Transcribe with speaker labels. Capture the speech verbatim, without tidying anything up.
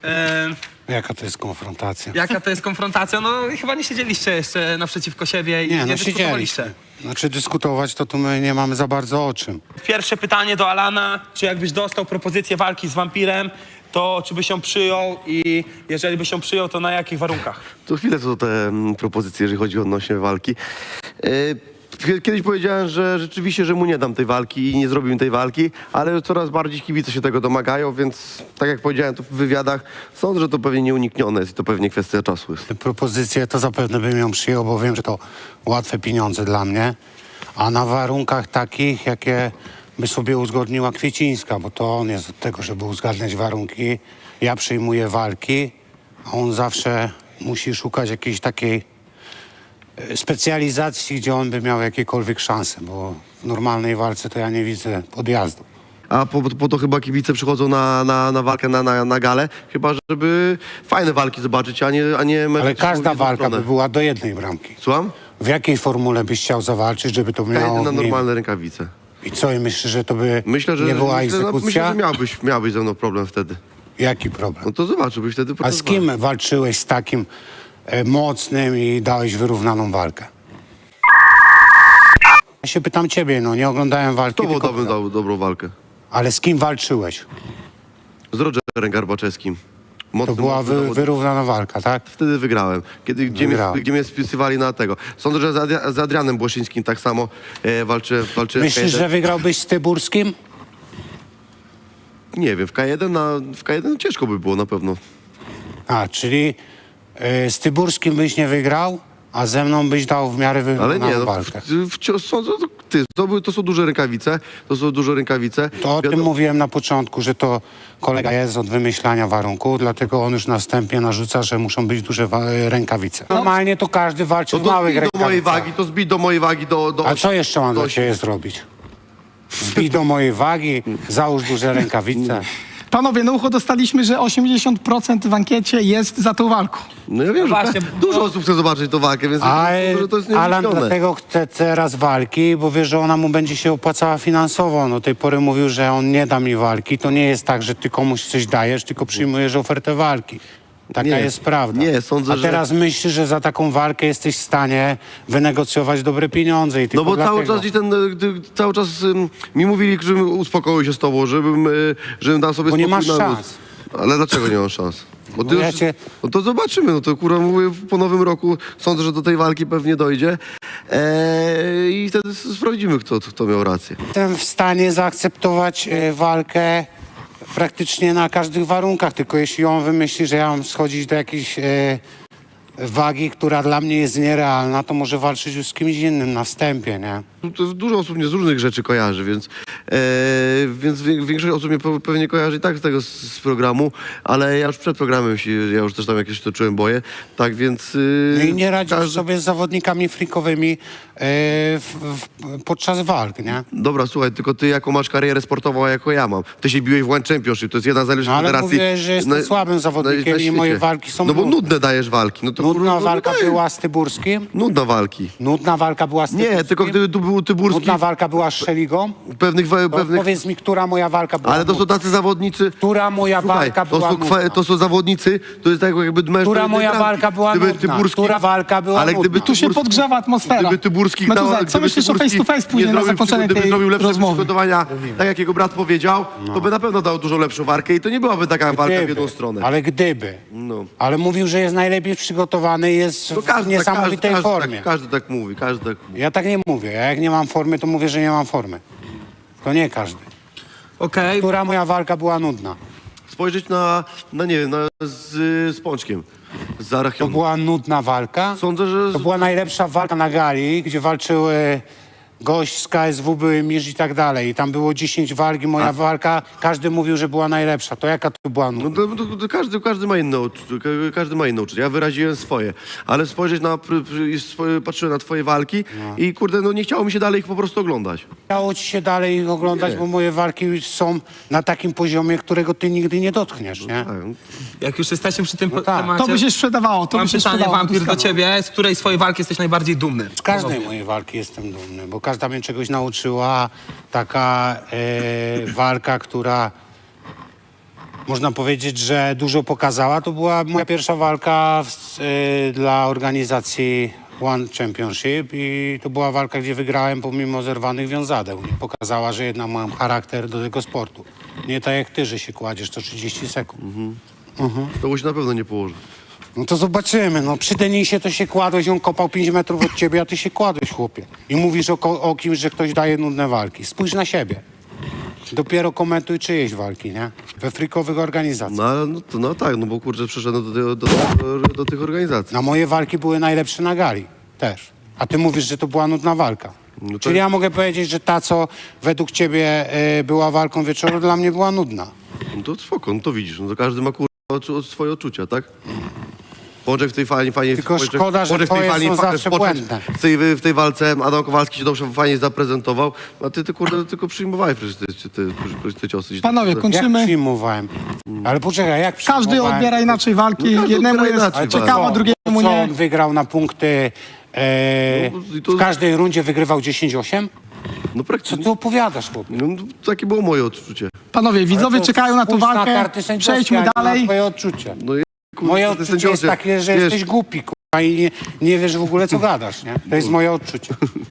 Speaker 1: E,
Speaker 2: Jaka to jest konfrontacja?
Speaker 1: jaka to jest konfrontacja? No chyba nie siedzieliście jeszcze naprzeciwko siebie i nie,
Speaker 2: Nie, no
Speaker 1: dyskutowaliście.
Speaker 2: siedzieliśmy. Znaczy dyskutować to tu my nie mamy za bardzo o czym.
Speaker 1: Pierwsze pytanie do Alana, czy jakbyś dostał propozycję walki z wampirem, to czy byś ją przyjął i jeżeli byś ją przyjął, to na jakich warunkach?
Speaker 3: To chwilę co te mm, propozycje, jeżeli chodzi odnośnie walki. Yy, Kiedyś powiedziałem, że rzeczywiście, że mu nie dam tej walki i nie zrobimy tej walki, ale coraz bardziej kibice się tego domagają, więc tak jak powiedziałem to w wywiadach, sądzę, że to pewnie nieuniknione jest i to pewnie kwestia czasu jest.
Speaker 2: Te propozycje to zapewne bym ją przyjął, bo wiem, że to łatwe pieniądze dla mnie. A na warunkach takich, jakie by sobie uzgodniła Kwiecińska, bo to on jest od tego, żeby uzgadniać warunki. Ja przyjmuję walki, a on zawsze musi szukać jakiejś takiej e, specjalizacji, gdzie on by miał jakiekolwiek szanse, bo w normalnej walce to ja nie widzę podjazdu.
Speaker 3: A po, po to chyba kibice przychodzą na, na, na walkę, na, na, na galę, chyba żeby fajne walki zobaczyć, a nie, a nie mecze
Speaker 2: Ale każda
Speaker 3: w jedną
Speaker 2: walka
Speaker 3: stronę.
Speaker 2: by była do jednej bramki.
Speaker 3: Słucham?
Speaker 2: W jakiej formule byś chciał zawalczyć, żeby to
Speaker 3: Ja
Speaker 2: miało...
Speaker 3: jedę na
Speaker 2: nie-
Speaker 3: normalne rękawice.
Speaker 2: I co, i myślisz, że to by
Speaker 3: Myślę, że,
Speaker 2: nie była
Speaker 3: myślę, no,
Speaker 2: egzekucja?
Speaker 3: myślę, że miałbyś, miałbyś ze mną problem wtedy.
Speaker 2: Jaki problem?
Speaker 3: No to zobaczyłbyś wtedy.
Speaker 2: A
Speaker 3: podczas
Speaker 2: z kim walczyłeś z takim e, mocnym i dałeś wyrównaną walkę? Ja się pytam ciebie, no nie oglądałem walki,
Speaker 3: Kto
Speaker 2: tylko
Speaker 3: dałbym dał dobrą walkę?
Speaker 2: ale z kim walczyłeś?
Speaker 3: Z Rogerem Garbaczewskim.
Speaker 2: To
Speaker 3: Mocny,
Speaker 2: była
Speaker 3: mocny
Speaker 2: wy,
Speaker 3: zawodnik.
Speaker 2: wyrównana walka, tak?
Speaker 3: Wtedy wygrałem. Kiedy, gdzie, mnie,
Speaker 2: Wygrałem.
Speaker 3: gdzie mnie spisywali na tego. Sądzę, że z, Adria- z Adrianem Błoszyńskim tak samo e, walczyłem. walczyłem w
Speaker 2: Myślisz,
Speaker 3: K
Speaker 2: że
Speaker 3: jeden.
Speaker 2: wygrałbyś z Tyburskim?
Speaker 3: Nie wiem, w K jeden, na, w K jeden ciężko by było na pewno.
Speaker 2: A, czyli e, z Tyburskim byś nie wygrał, a ze mną byś dał w miarę
Speaker 3: Ale
Speaker 2: wyrównaną
Speaker 3: nie, no,
Speaker 2: walkę.
Speaker 3: w, wciąż sądzę, to, ty, to, były- to są duże rękawice, to są duże rękawice.
Speaker 2: To o tym
Speaker 3: Wiadomo-
Speaker 2: mówiłem na początku, że to kolega jest od wymyślania warunków, dlatego on już następnie narzuca, że muszą być duże wa- rękawice. Normalnie to każdy walczy
Speaker 3: To,
Speaker 2: w
Speaker 3: to
Speaker 2: małych
Speaker 3: zbij do mojej
Speaker 2: rękawicach.
Speaker 3: wagi, to zbij do mojej wagi do... do
Speaker 2: A co jeszcze mam
Speaker 3: do
Speaker 2: dla ciebie zrobić? Zbij do mojej wagi, załóż duże rękawice.
Speaker 4: Panowie, na ucho dostaliśmy, że osiemdziesiąt procent w ankiecie jest za tą walką.
Speaker 3: No ja wiem, że
Speaker 1: właśnie,
Speaker 3: dużo
Speaker 1: no-
Speaker 3: osób chce zobaczyć tą walkę, więc
Speaker 2: A
Speaker 3: sądzę, że to jest
Speaker 2: Alan
Speaker 3: nieuniknione.
Speaker 2: dlatego chce teraz walki, bo wie, że ona mu będzie się opłacała finansowo. No tej pory mówił, że on nie da mi walki. To nie jest tak, że ty komuś coś dajesz, tylko przyjmujesz ofertę walki. Taka
Speaker 3: Nie,
Speaker 2: jest prawda.
Speaker 3: nie, sądzę,
Speaker 2: A
Speaker 3: że-
Speaker 2: teraz myślisz, że za taką walkę jesteś w stanie wynegocjować dobre pieniądze i tylko
Speaker 3: No bo cały
Speaker 2: dlatego.
Speaker 3: czas, i ten, e, gdy, cały czas ym, mi mówili, żebym uspokoił się z tobą, żebym, y, żebym dał sobie
Speaker 2: Bo nie
Speaker 3: spokój
Speaker 2: masz
Speaker 3: na
Speaker 2: szans.
Speaker 3: Ale dlaczego nie mam szans? Bo ty
Speaker 2: Bo ja
Speaker 3: już,
Speaker 2: cię-
Speaker 3: No to zobaczymy, no to kurwa mówię, po nowym roku sądzę, że do tej walki pewnie dojdzie eee, i wtedy s- sprawdzimy, kto, kto miał rację.
Speaker 2: Jestem w stanie zaakceptować e, walkę praktycznie na każdych warunkach, tylko jeśli on wymyśli, że ja mam schodzić do jakiejś e, wagi, która dla mnie jest nierealna, to może walczyć już z kimś innym na wstępie, nie?
Speaker 3: To dużo osób mnie z różnych rzeczy kojarzy, więc, e, więc wie- większość osób mnie pe- pewnie kojarzy i tak z tego z, z programu, ale ja już przed programem się, ja już też tam jakieś toczyłem boje, tak więc... y,
Speaker 2: No i nie radzisz
Speaker 3: każdy-
Speaker 2: sobie z zawodnikami frikowymi e, w, w, podczas walk, nie?
Speaker 3: Dobra, słuchaj, tylko ty jaką masz karierę sportową, a jako ja mam. Ty się biłeś w One Championship, to jest jedna z najlepszych
Speaker 2: No, ale
Speaker 3: federacji.
Speaker 2: mówię, że jestem słabym zawodnikiem i moje
Speaker 3: świecie.
Speaker 2: walki są
Speaker 3: No bo
Speaker 2: nudne.
Speaker 3: nudne dajesz walki. No to kurwa,
Speaker 2: Nudna
Speaker 3: no
Speaker 2: walka
Speaker 3: dajesz.
Speaker 2: była z Tyburskim?
Speaker 3: Nudna walki.
Speaker 2: Nudna walka była z Tyburskim?
Speaker 3: Nie, tylko gdyby tu był Tyburski,
Speaker 2: Nudna walka była z Szeligą?
Speaker 3: pewnych... wa-
Speaker 2: To
Speaker 3: pewnych
Speaker 2: powiedz mi, która moja walka była
Speaker 3: ale to są
Speaker 2: nudna?
Speaker 3: tacy zawodnicy...
Speaker 2: Która moja
Speaker 3: Słuchaj,
Speaker 2: walka
Speaker 3: to
Speaker 2: była
Speaker 3: są, kwa-
Speaker 2: nudna?
Speaker 3: to są zawodnicy, to jest tak jakby mężczyzn...
Speaker 2: Która moja walka była nudna? Która walka była
Speaker 3: ale gdyby
Speaker 2: nudna?
Speaker 4: Tu się
Speaker 3: Tyburski-
Speaker 4: podgrzewa atmosfera.
Speaker 3: Gdyby Tyburski...
Speaker 4: Meduza,
Speaker 3: dał-
Speaker 4: co
Speaker 3: gdyby
Speaker 4: myślisz o
Speaker 3: Tyburski
Speaker 4: face to face później
Speaker 3: nie
Speaker 4: na
Speaker 3: zrobił-
Speaker 4: zakończenie
Speaker 3: gdyby
Speaker 4: tej
Speaker 3: zrobił lepsze
Speaker 4: rozmowy?
Speaker 3: przygotowania, tak jak jego brat powiedział, to by na pewno dał dużo lepszą walkę i to nie byłaby taka walka w jedną stronę.
Speaker 2: Ale gdyby.
Speaker 3: No.
Speaker 2: Ale mówił, że jest najlepiej przygotowany, jest
Speaker 3: To
Speaker 2: w
Speaker 3: każdy, tak, każdy,
Speaker 2: niesamowitej
Speaker 3: każdy,
Speaker 2: formie.
Speaker 3: tak, każdy tak mówi, każdy tak mówi.
Speaker 2: Ja tak nie mówię. Ja jak nie mam formy, to mówię, że nie mam formy. To nie każdy.
Speaker 1: Okej,
Speaker 2: Która moja walka była nudna?
Speaker 3: Spojrzeć na, na nie wiem, na, z, z Pączkiem, z
Speaker 2: To
Speaker 3: Arachionu.
Speaker 2: była nudna walka?
Speaker 3: Sądzę, że...
Speaker 2: To była najlepsza walka na gali, gdzie walczyły gość z K S W, były Misz i tak dalej. I tam było dziesięć walk i moja walka, każdy mówił, że była najlepsza. To jaka to była
Speaker 3: No
Speaker 2: nudna?
Speaker 3: to, to, to każdy, każdy ma inne uczucie, ka- każdy ma inne uczucie. Ja wyraziłem swoje, ale spojrzeć na, pr, pr, i spo- patrzyłem na twoje walki i kurde, no nie chciało mi się dalej ich po prostu oglądać.
Speaker 2: Chciało ci się dalej ich oglądać,
Speaker 3: Nie.
Speaker 2: bo moje walki już są na takim poziomie, którego ty nigdy nie dotkniesz, nie?
Speaker 3: Tak,
Speaker 1: jak już jesteśmy przy tym
Speaker 2: No tak.
Speaker 1: temacie...
Speaker 4: To by się sprzedawało, to
Speaker 1: Mam
Speaker 4: by się
Speaker 1: pytanie,
Speaker 4: sprzedawało.
Speaker 1: Wampir, do
Speaker 4: Błyskawo.
Speaker 1: ciebie. Z której swojej walki jesteś najbardziej dumny?
Speaker 2: Z każdej mojej walki jestem dumny, bo każda mnie czegoś nauczyła. Taka e, walka, która Można powiedzieć, że dużo pokazała. To była moja pierwsza walka w, y, dla organizacji One Championship i to była walka, gdzie wygrałem pomimo zerwanych wiązadeł. Nie? Pokazała, że jednak mam charakter do tego sportu. Nie tak jak ty, że się kładziesz co trzydzieści sekund.
Speaker 3: To się na pewno nie położy.
Speaker 2: No to zobaczymy. No przy Denisie to się kładłeś, on kopał pięć metrów od ciebie, a ty się kładłeś, chłopie. I mówisz o, ko- o kimś, że ktoś daje nudne walki. Spójrz na siebie. Dopiero komentuj czyjeś walki, nie? We frikowych organizacjach.
Speaker 3: No, ale no, to, no tak, no bo kurczę, przyszedłem do, do, do, do tych organizacji.
Speaker 2: Na moje walki były najlepsze na gali. Też. A ty mówisz, że to była nudna walka.
Speaker 3: No to-
Speaker 2: Czyli ja mogę powiedzieć, że ta, co według ciebie y, była walką wieczoru, dla mnie była nudna.
Speaker 3: No to spoko, no to widzisz, no to każdy ma kurwa odczu- swoje odczucia, tak? Pączek w tej fajnie, fajnie...
Speaker 2: Tylko
Speaker 3: Pączek-
Speaker 2: szkoda, że
Speaker 3: Pączek w tej
Speaker 2: twoje
Speaker 3: fali-
Speaker 2: są
Speaker 3: fa-
Speaker 2: zawsze
Speaker 3: Pączek
Speaker 2: błędne.
Speaker 3: W tej, w tej walce Adam Kowalski się dobrze, fajnie zaprezentował, a ty, ty kurde, tylko przyjmowałeś przecież te, te, te, te ciosy.
Speaker 4: Panowie,
Speaker 2: Jak
Speaker 4: kończymy.
Speaker 2: przyjmowałem? Ale poczekaj, jak
Speaker 4: Każdy
Speaker 2: przyjmowałem?
Speaker 4: odbiera inaczej walki.
Speaker 3: No każdy
Speaker 4: Jednemu
Speaker 3: odbiera
Speaker 4: jest
Speaker 3: inaczej,
Speaker 4: ciekawa,
Speaker 2: Co?
Speaker 4: drugiemu
Speaker 2: Co,
Speaker 4: nie.
Speaker 2: on wygrał na punkty... E,
Speaker 3: No, i to-
Speaker 2: w każdej rundzie wygrywał dziesięć osiem?
Speaker 3: No
Speaker 2: Co
Speaker 3: praktycznie.
Speaker 2: ty opowiadasz, chłopie?
Speaker 3: No, takie było moje odczucie.
Speaker 4: Panowie, widzowie
Speaker 2: To
Speaker 4: czekają na tą
Speaker 2: spójrz
Speaker 4: walkę.
Speaker 2: karty sędziowskie,
Speaker 4: Przejdźmy
Speaker 2: a nie na
Speaker 4: dalej.
Speaker 2: twoje odczucie.
Speaker 3: No, i, kurde,
Speaker 2: Moje
Speaker 3: te
Speaker 2: odczucie jest
Speaker 3: sędziowie,
Speaker 2: takie, że
Speaker 3: wiesz,
Speaker 2: jesteś głupi, kurwa, i nie, nie wiesz w ogóle, co gadasz, nie? To jest moje odczucie.